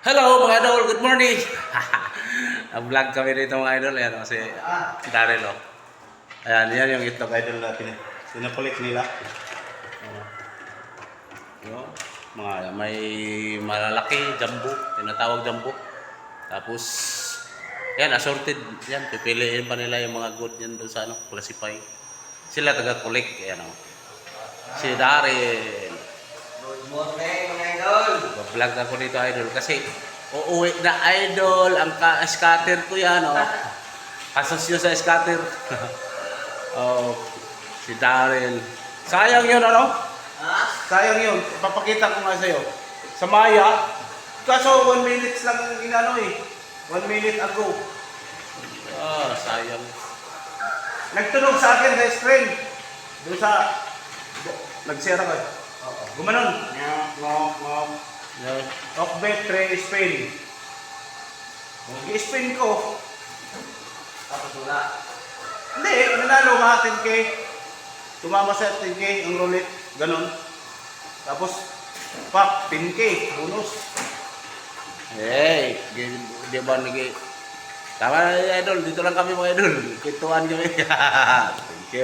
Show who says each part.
Speaker 1: Hello mga idol, good morning! Vlog kami dito mga idol, ayan kasi Daryl oh. Ayan, yan yung itlog idol na pinakulit nila. Yung, mga may malalaki, jumbo, tinatawag jumbo. Tapos, yan, assorted, yan, pipiliin pa nila yung mga good yan doon sa ano, classify. Sila taga-collect, ayan oh. Si Daryl.
Speaker 2: Good morning mga idol!
Speaker 1: Vlog ako dito idol kasi uuwi na idol ang scatter ko yan oh. Kasos yun sa scatter. Oh, si Daryl. Sayang yun ano?
Speaker 2: Ha?
Speaker 1: Sayang yun. Papakita ko nga sa'yo. Sa Maya, kaso 1 minutes lang inano eh. 1 minute ago. Ah, sayang. Nagtunog sa akin sa screen. Doon sa nag-share ako eh. Gumanon. Off-bet, 3 spin. Mag-spin ko.
Speaker 2: Tapos wala.
Speaker 1: Hindi, nanalo nga 10K. Tumama sa 10K ang roulette. Ganon. Tapos, pak, 10K. Bonus. Hey, di ba nag- Tama na idol, dito lang kami mga idol. Kwentuhan kami. Thank you.